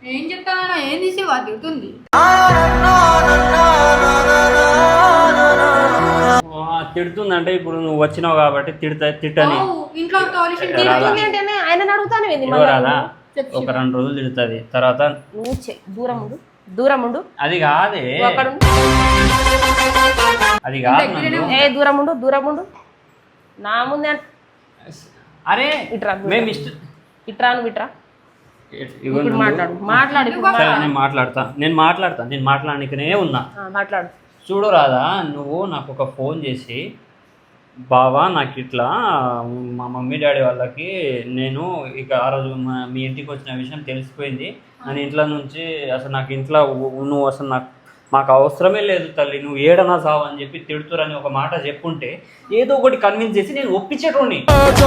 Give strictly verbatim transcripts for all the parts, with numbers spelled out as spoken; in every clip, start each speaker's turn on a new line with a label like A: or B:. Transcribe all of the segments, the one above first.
A: ఏం చెప్తానా ఏం తీసి తిడుతుంది
B: తిడుతుందంటే ఇప్పుడు నువ్వు వచ్చినావు కాబట్టి తిడతా తిట్టని
A: ఇంట్లో
C: ఆయన అడుగుతాను
B: ఒక రెండు రోజులు తిడుతుంది తర్వాత
C: నువ్వు దూరం ఉండు దూరం ఉండు
B: అది కాదే అది కాదు
C: ఏ దూరం ఉండు దూరం ఉండు నా ముందే
B: అరే
C: ఇట్రా
B: మేము ఇష్ట
C: ఇట్రా నువ్వు ఇట్రా మాట్లాడు మాట్లాడు
B: నేను మాట్లాడతా నేను మాట్లాడతా నేను మాట్లాడనికనే ఉన్నా
C: మాట్లాడు
B: చూడు రాదా నువ్వు నాకు ఒక ఫోన్ చేసి బావా నాకు ఇట్లా మా మమ్మీ డాడీ వాళ్ళకి నేను ఇక ఆ రోజు మీ ఇంటికి వచ్చిన విషయం తెలిసిపోయింది అని ఇంట్లో నుంచి అసలు నాకు ఇంట్లో నువ్వు అసలు నాకు మాకు అవసరమే లేదు తల్లి నువ్వు ఏడనా సావు అని చెప్పి తిడుతురని ఒక మాట చెప్పుంటే ఏదో ఒకటి కన్విన్స్ చేసి నేను ఒప్పించేటోని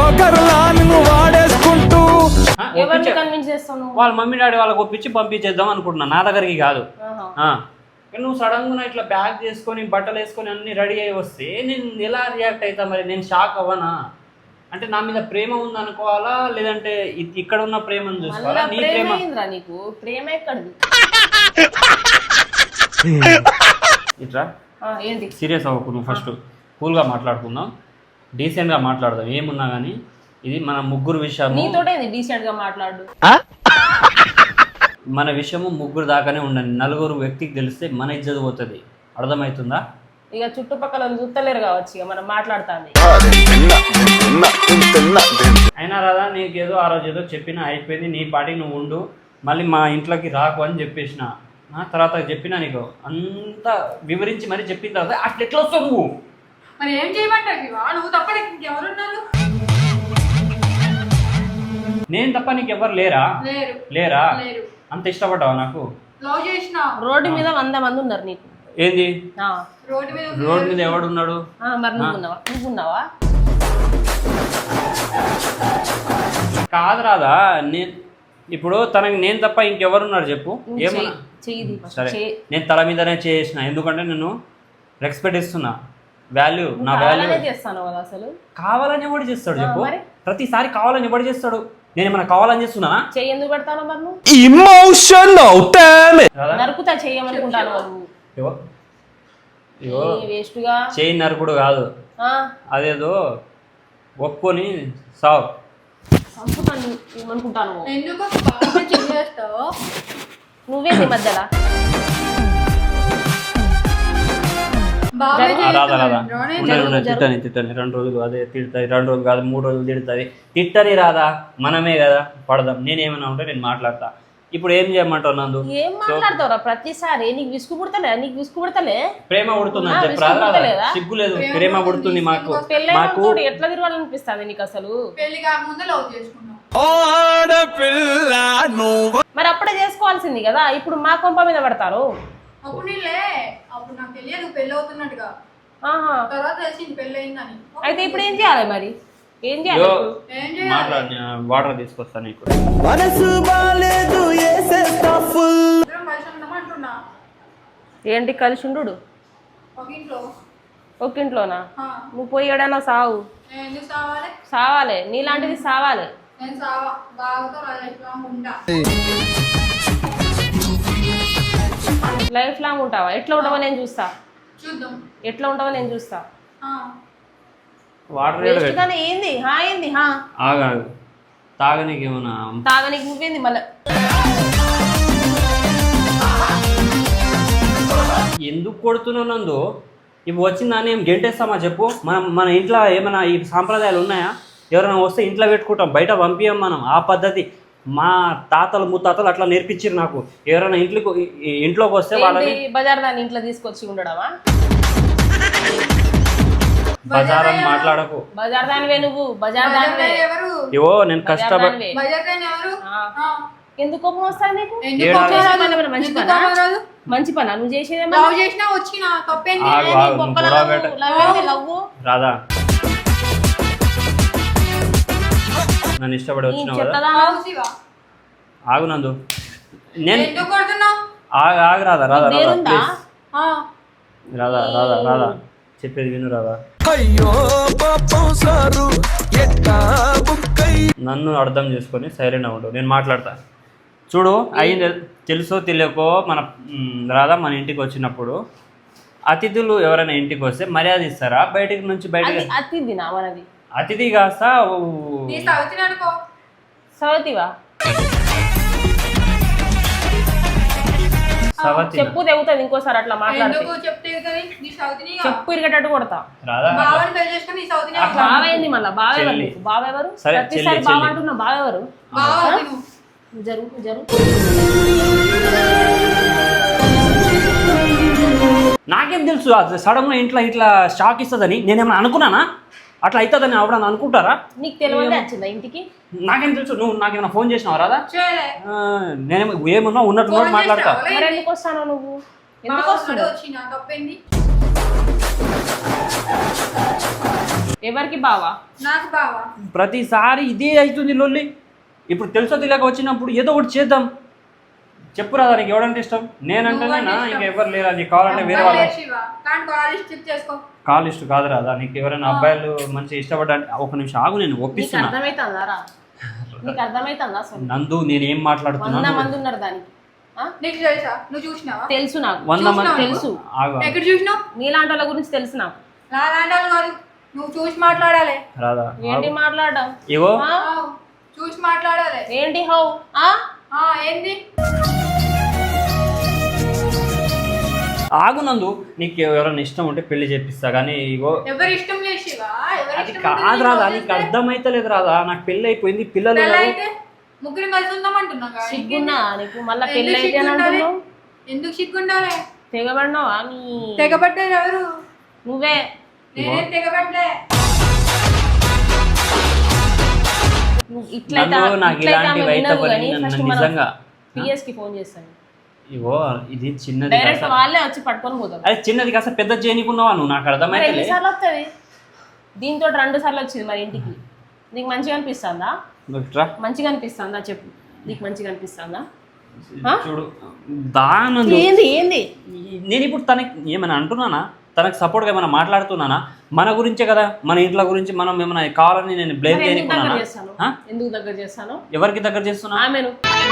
B: వాళ్ళ మమ్మీ డాడీ వాళ్ళకి ఒప్పించి పంపించేద్దాం అనుకుంటున్నా నా దగ్గరికి కాదు నువ్వు సడన్గా ఇట్లా బ్యాగ్ చేసుకొని బట్టలు వేసుకొని అన్ని రెడీ అయ్యి వస్తే నేను ఎలా రియాక్ట్ అవుతా మరి నేను షాక్ అవ్వనా అంటే నా మీద ప్రేమ ఉంది అనుకోవాలా లేదంటే ఇక్కడ ఉన్న ప్రేమను చూసుకోవాలా నీ ప్రేమ
C: నీకు ప్రేమ ఎక్కడిది
B: ఇట్రా ఏంటి సీరియస్ అవ్వకు నువ్వు ఫస్ట్ కూల్గా మాట్లాడుకుందాం డీసెంట్గా మాట్లాడదాం ఏమున్నా కానీ ఇది మన ముగ్గురు విషయం
C: నీతోటే డీసెంట్గా మాట్లాడు
B: మన విషయము ముగ్గురు దాకానే ఉండండి నలుగురు వ్యక్తికి తెలిస్తే మన ఇజ్జత్ పోతుంది అర్థమవుతుందా
C: ఇక చుట్టుపక్కల చూస్తలేరు కావచ్చు ఇక మనం మాట్లాడుతుంది
B: అయినా రాదా నీకేదో ఆ రోజు ఏదో చెప్పినా అయిపోయింది నీ పాటికి నువ్వు ఉండు మళ్ళీ మా ఇంట్లోకి రాకు అని చెప్పేసిన తర్వాత చెప్పినా నీకు అంతా వివరించి మరి చెప్పిన తర్వాత అట్లా ఎట్లా వస్తావు నువ్వు
A: మరి ఏం చేయమంటావు నువ్వు తప్ప ఎవరున్నారు
B: నేను తప్ప నీకు ఎవరు లేరా లేరా అంత ఇష్టపడ్డావా నాకు
C: రోడ్డు మీద వంద మంది ఉన్నారు నీకు
B: ఏంది
A: రోడ్డు
B: మీద ఎవడున్నాడు
C: మరి నువ్వున్నావా నువ్వున్నావా
B: కాదు రాదా నేను ఇప్పుడు తనకి నేను తప్ప ఇంకెవరున్నారు చెప్పు ఏమన్నా సరే నేను తల మీదనే చేసిన ఎందుకంటే నేను రెస్పెక్ట్ ఇస్తున్నా వాల్యూ నా వాల్యూ
C: చేస్తాను కదా అసలు
B: కావాలని ఎవడు చేస్తాడు చెప్పు ప్రతిసారి కావాలని ఎవడు చేస్తాడు నేను ఏమన్నా కావాలని చేస్తున్నానా
C: చెయ్యి ఎందుకు పెడతాను మరి నువ్వు
D: ఎమోషనల్ డామ్
C: నరుకుతా చెయ్యమనుకుంటాను వేస్ట్గా
B: చెయ్యి నరుకుడు కాదు అదేదో ఒప్పుకొని సావు
C: ఏమనుకుంటాను నువ్వేది మధ్యలో
B: రాదా రాదా తిట్టని తిట్టని రెండు రోజులు అదే తిడుతుంది రెండు రోజులు కాదు మూడు రోజులు తిడుతుంది తిట్టని రాదా మనమే కదా పడదాం నేనేమన్నా ఉంటే నేను మాట్లాడతా ఇప్పుడు ఏం చేయమంటావు నందు
C: ఏం మాట్లాడతావురా ప్రతిసారి నీకు విసుగు పుడతలే నీకు విసుగు పుడతలే
B: ప్రేమ పుడుతుందని చెప్పరా సిగ్గు లేదు ప్రేమ పుడుతుంది మాకు మాకు
C: ఎట్లా తిరగాలనిపిస్తుంది నీకు అసలు
A: పెళ్లి కాకముందే లవ్ చేసుకున్నాం
C: మరి అప్పుడే చేసుకోవాల్సింది కదా ఇప్పుడు మా కొంప మీద పడతారు
A: అప్పుడు నీలే అప్పుడు నాకు తెలియదు పెళ్లి అవుతున్నట్టుగా తర్వాత తెలిసింది పెళ్లి అయిందని
C: అయితే ఇప్పుడు ఏం చేయాలి మరి ఏం చేయాలి
B: మాట్లాడి వాటర్ తీసుకొస్తాను నీకు
C: ఏంటి కలిసి ఉండు ఒక ఇంట్లోనా నువ్వు పోయి ఏడైనా సావు సావాలి నీలాంటిది సావాలి లైఫ్ లాంగ్ ఉంటావా ఎట్లా ఉండవో నేను చూస్తా ఎట్లా ఉండవో నేను చూస్తా
B: వాటర్
C: ఏంది హా ఏంది హా
B: ఆగాగు తాగనీకి ఏమన్నా
C: తాగనీకి నువ్వేంది మళ్ళీ
B: ఎందుకు కొడుతున్నావు నందు ఇప్పుడు వచ్చిందని ఏం గెంటేస్తామా చెప్పు మనం మన ఇంట్లో ఏమైనా ఈ సాంప్రదాయాలు ఉన్నాయా ఎవరైనా వస్తే ఇంట్లో పెట్టుకుంటాం బయట పంపించాం మనం ఆ పద్ధతి మా తాతలు ముత్తాతలు అట్లా నేర్పించారు నాకు ఎవరైనా ఇంట్లోకి ఇంట్లోకి వస్తే వాళ్ళని
C: బజార్ దాన్ని ఇంట్లో తీసుకొచ్చి ఉండడమా
B: బజార్ అని మాట్లాడకు
C: బజార్ దానివే నువ్వు బజార్ దానివే
B: ఇవో నేను కష్టపడి
C: ఎందుకు కోపం వస్తాను నీకు మంచి పనా మంచి పనా నువ్వు చేసేది
B: రాదా నన్ను ఇష్టపడి వచ్చినావు కదా ఆగు నందు నేను ఆగు ఆగు రాదా రాదా రాదా ప్లీజ్ రాదా రాదా రాదా చెప్పేది విను రాదా నన్ను అర్థం చేసుకొని సైలెంట్ అవ్వడు నేను మాట్లాడతా చూడు అయింది తెలుసో తెలియకో మన మ్, రాధా మన ఇంటికి వచ్చినప్పుడు అతిథులు ఎవరైనా ఇంటికి వస్తే మర్యాద ఇస్తారా బయటికి నుంచి బయటకి
C: అది అతిథి నా మనది
B: అతిథి కాస్త
A: నీ సౌతిని అనుకో.
C: సవతివా
B: సవతి
C: చెప్పు తెగుతుంది ఇంకోసారి అట్లా మాట్లాడితే
A: ఎందుకు చెప్తే కదా నీ సౌతిని
C: చెప్పు ఇరిగేటట్టు కొడతా
B: రాధా
A: బావని పెళ్లి చేసుకుని నీ సౌతిని అనుకో.
C: బావేంది మళ్ళా బావెవరు
B: చెల్లి.
C: నీకు? బావెవరు
B: సరే,
C: ప్రతిసారి
B: చెల్లి,
C: బావ
B: చెల్లి.
C: అంటున్నా బావెవరు
A: బావ తిను.
C: జరుగు జరుగు
B: నాకేం తెలుసు సడన్గా ఇంట్లో ఇట్లా షాక్ ఇస్తుందని నేనేమైనా అనుకున్నానా అట్లా అవుతుందని ఎవడన్నా అనుకుంటారా
C: నీకు తెలియదే వచ్చిందా ఇంటికి
B: నాకేం తెలుసు నువ్వు నాకేమైనా ఫోన్ చేసినావా రాదా
A: చేయలే.
B: ఆ, నేనేమో ఏమన్నా ఉన్నట్టు
A: ఫోన్
B: మాట్లాడతా
A: చేస్తావా?
C: మరి ఎందుకు వస్తాను నువ్వు ఎందుకు
A: బావ
C: వస్తున్నావు
A: వచ్చి నా తప్పేంది?
C: ఎవరికి బావా
A: నాకు బావ.
B: ప్రతిసారి ఇదే అవుతుంది లొల్లి ఇప్పుడు తెలుసో తెలియక వచ్చినప్పుడు ఏదో ఒకటి చేద్దాం చెప్పు రాదా నీకు ఎవడంటే ఇష్టం నేనంటేనేనా
A: నువ్వంటే ఇష్టం.
B: ఇంకా ఎవరు లేరా నీకు కావాలంటే వేరే వాళ్ళ
A: అబ్బాయిలే శివ. కానీ కాలేజ్ చెక్ చేసుకో.
B: కాల్ ఇష్టం కాదు రాదా నీకు ఎవరైనా అబ్బాయిలు మంచి ఇష్టపడ్డా ఒక నిమిషం ఆగు నేను
C: నీకు
B: ఒప్పిస్తున్నా
C: అర్థమైతుందా రా నీకు అర్థమైతుందా అసలు
B: నందు నేనేం
C: వంద
B: మాట్లాడుతున్నాను
C: మంది ఉన్నారు దానికి ఆ?
A: నీకు తెలుసా? నువ్వు చూసినావా?
C: తెలుసు నాకు
B: వంద మంది
A: చూసినావా?
C: తెలుసు
B: ఆగు
A: ఎక్కడ చూసినావు?
C: నీలాంటి వాళ్ళ గురించి తెలుసు నాకు
A: నా లాంటి వాళ్ళు కాదు. నువ్వు చూసి మాట్లాడాలి.
B: రాదా
C: ఏంటి మాట్లాడడం
B: ఇగో
C: ఆ?
A: ఆవ్. చూసి మాట్లాడాలి.
C: ఏంటి హౌ ఆ?
A: ఆ ఏంది?
B: ఆగు నందు నీకు ఎవరైనా ఇష్టం ఉంటే పెళ్లి చేపిస్తా కానీ ఇగో
A: ఎవరి ఇష్టం లేదు శివ. ఎవరి
B: అది
A: ఇష్టం
B: కాదు
A: ఉంటుంది
B: రాదా
A: నీకు
B: నీకు
A: వదిలేస్తే.
B: అర్థమైతలేదు రాదా నాకు పెళ్లి అయిపోయింది పిల్లలు
A: పెళ్ళి
B: ఉన్నారు.
A: అయితే ముగ్గురు కలిసి ఉందాం అంటున్నాం కదా.
C: సిగ్గున్నా నీకు మళ్ళా
A: ఎందుకు
C: పెళ్ళి అయితే అని
A: సిగ్గుండాలి?
C: అంటున్నావు
A: ఎందుకు సిగ్గుండాలి?
C: తెగబడినావా నీ
A: తెగబడ్డారు ఎవరు?
C: నువ్వే
A: నేనేం తెగబడ్లే.
C: నువ్వు ఇట్లయితే
B: నందు నాకు
C: ఇట్లయితే
B: ఇలాంటి
C: ఆమె
B: వైత
C: వినదు
B: పని
C: కానీ
B: నన్ను
C: ఫస్ట్ మనం
B: నిజంగా
C: పిఎస్ కి ఫోన్ చేస్తాను
B: ఇగో ఇది చిన్నది
C: డైరెక్ట్
B: కాస్త
C: వాళ్ళే వచ్చి పట్టుకొని పోతారు
B: అరే చిన్నది కాస్త పెద్ద చేయనీకున్నావా నువ్వు నాకు
C: మరి
B: అర్థమైతే
C: ఎన్నిసార్లు వస్తుంది దీంతో రెండు సార్లు వచ్చింది మరి ఇంటికి నీకు మంచిగా అనిపిస్తుందా మంచిగా అనిపిస్తుందా చెప్పు నీకు మంచిగా అనిపిస్తుందా ఆ?
B: చూడు దానందు
C: ఏంది ఏంది
B: నేను ఇప్పుడు తనకి ఏమైనా అంటున్నానా తనకు సపోర్ట్గా ఏమైనా మాట్లాడుతున్నానా మన గురించే కదా మన ఇంట్లో గురించి మనం ఏమైనా కావాలని నేను బ్లేమ్
C: మరి ఎందుకు దగ్గర
B: చేయనుకున్నానా
C: చేస్తాను
B: ఆ?
C: ఎందుకు దగ్గర చేస్తాను
B: ఎవరికి దగ్గర చేస్తున్నా
C: ఆమెను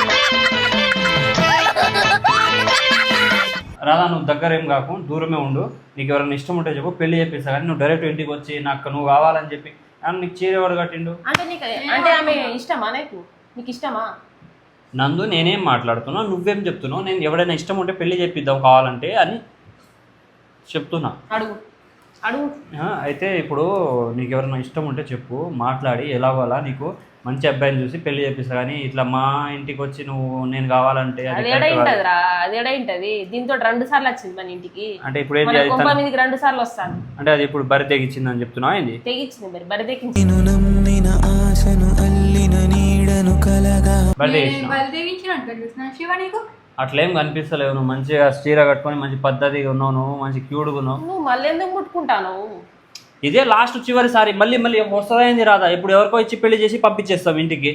B: రాదా నువ్వు దగ్గర ఏం కాకు దూరమే ఉండు నీకు ఎవరైనా ఇష్టం ఉంటే చెప్పు పెళ్లి చేపిస్తా కానీ నువ్వు డైరెక్ట్ ఇంటికి వచ్చి నాకు నువ్వు కావాలని చెప్పి కానీ నీకు చీర ఎవరు కట్టిండు
C: అంటే నీకు అంటే ఆమె ఇష్టమా నీకు నీకు ఇష్టమా
B: నందు నేనేం మాట్లాడుతున్నా నువ్వేం చెప్తున్నావు నేను ఎవడైనా ఇష్టం ఉంటే పెళ్లి చేపిద్దాం కావాలంటే అని చెప్తున్నా
C: అడుగు అడుగు
B: ఆ, అయితే ఇప్పుడు నీకు ఎవరైనా ఇష్టం ఉంటే చెప్పు మాట్లాడి ఎలాగోలా నీకు మంచి అబ్బాయిని చూసి పెళ్లి చేపిస్తా కానీ ఇట్లా మా ఇంటికి వచ్చి నువ్వు నేను కావాలంటే అది
C: అది
B: correct కాదు.
C: ఎడైంటదిరా అది ఎడైంటది దీంతో రెండు సార్లు వచ్చింది మన ఇంటికి
B: అంటే ఇప్పుడు ఏంటి
C: మన
B: అది
C: కొంప
B: తన-
C: మీదకి రెండు సార్లు వస్తాను
B: అంటే అది ఇప్పుడు బరి తెగించింది అని చెప్తున్నావు ఏంది
C: తెగించింది మరి బరి తెగించింది
E: నేను నమ్మిన ఆశను అల్లిన నీడను కలగా
B: బరి
A: నేను
B: తెగించినావు
A: బలిదేవించినట్టు కనిపిస్తున్నాను శివ నీకు.
B: అట్లేం కనిపిస్తలేవు నువ్వు మంచిగా చీర కట్టుకొని మంచి పద్ధతిగా ఉన్నావు నువ్వు మంచి క్యూట్గా ఉన్నావు
C: నువ్వు మళ్ళీ ఎందుకు ముట్టుకుంటాను
B: ఇదే లాస్ట్ చివరిసారి మళ్ళీ మళ్ళీ వస్తుందైంది రాదా ఇప్పుడు ఎవరికో ఇచ్చి పెళ్లి చేసి పంపించేస్తాం ఇంటికి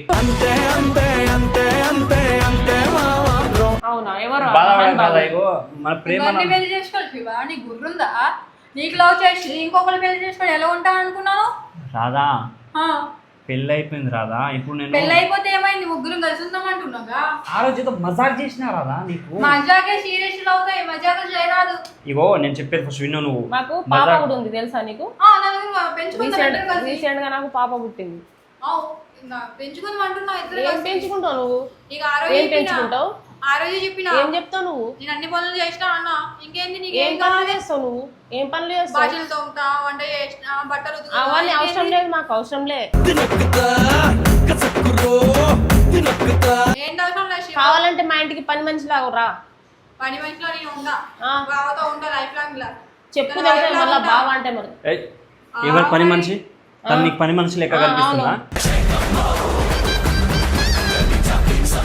C: అవునా ఎవరు
B: బాధపడే బాధ ఇగో మన ప్రేమ
A: ఇవన్నీ పెళ్లి చేసుకోవాలి శివ. నీకు గుర్రుందా? నీకు లవ్ చేసి ఇంకొకరు పెళ్లి చేసుకొని ఎలా ఉంటాను అనుకున్నాను?
B: రాదా
A: ఆ,
B: పెళ్ళి అయిపోయింది రాదా ఇప్పుడు నేను
A: పెళ్లి అయిపోతే ఏమైంది? ముగ్గురు కలిసి ఉందాం అంటున్నాగా.
B: ఆ రోజు ఏదో మజాక్ చేసినా రాదా నీకు
A: మజాకే సీరియస్ అవుతాయి. మజాకు చేయరాదు.
B: ఇగో నేను చెప్పేది ఫస్ట్ విన్నావు నువ్వు
C: మాకు పాప
B: మజాక్
C: కూడా ఉంది తెలుసా నీకు
A: ఆ, నలుగురు పెంచుకుందాం
C: రీసెంట్
A: ఇద్దరు కలిసి.
C: రీసెంట్ గా నాకు పాప పుట్టింది
A: ఆ, ఇంకా పెంచుకుందాం అంటున్నా ఇద్దరు
C: ఏం
A: కలిసి.
C: పెంచుకుంటావు నువ్వు
A: ఇక ఆ రోజు
C: ఏం
A: చెప్పినా.
C: పెంచుకుంటావు
A: ఆ రోజు చెప్పినా
C: ఏం చెప్తావు నువ్వు
A: నేను అన్ని పనులు చేసినా అన్న. ఇంకేంది నీకు?
C: ఏం
A: ఏం
C: పనులు
A: కావాలి?
C: చేస్తావు నువ్వు ఏం పనులు చేస్తావు
A: బాజీలు తోముతా, వంట చేసినా, బట్టలు ఉతుకుతా.
C: అవన్నీ అవసరం
A: ఇంకేంది?
C: లేదు మాకు అవసరం లేదు
A: ఏంటి అవసరం లేదు శివ.
C: కావాలంటే మా ఇంటికి పని మనిషి లాగా రా
A: పని మనిషిలో నేను ఉందా?
C: ఆ.
A: బావతో ఉంటా లైఫ్ లాంగ్ ఇలా.
C: చెప్పు
A: నేను
C: తెలితే
A: life long
C: మళ్ళీ
A: ఉంటా.
C: బావ అంటే మరి
B: ఏయ్, ఎవరు పని మనిషి తను నీకు పని మనిషి లెక్క
C: ఆ,
B: కనిపిస్తుందా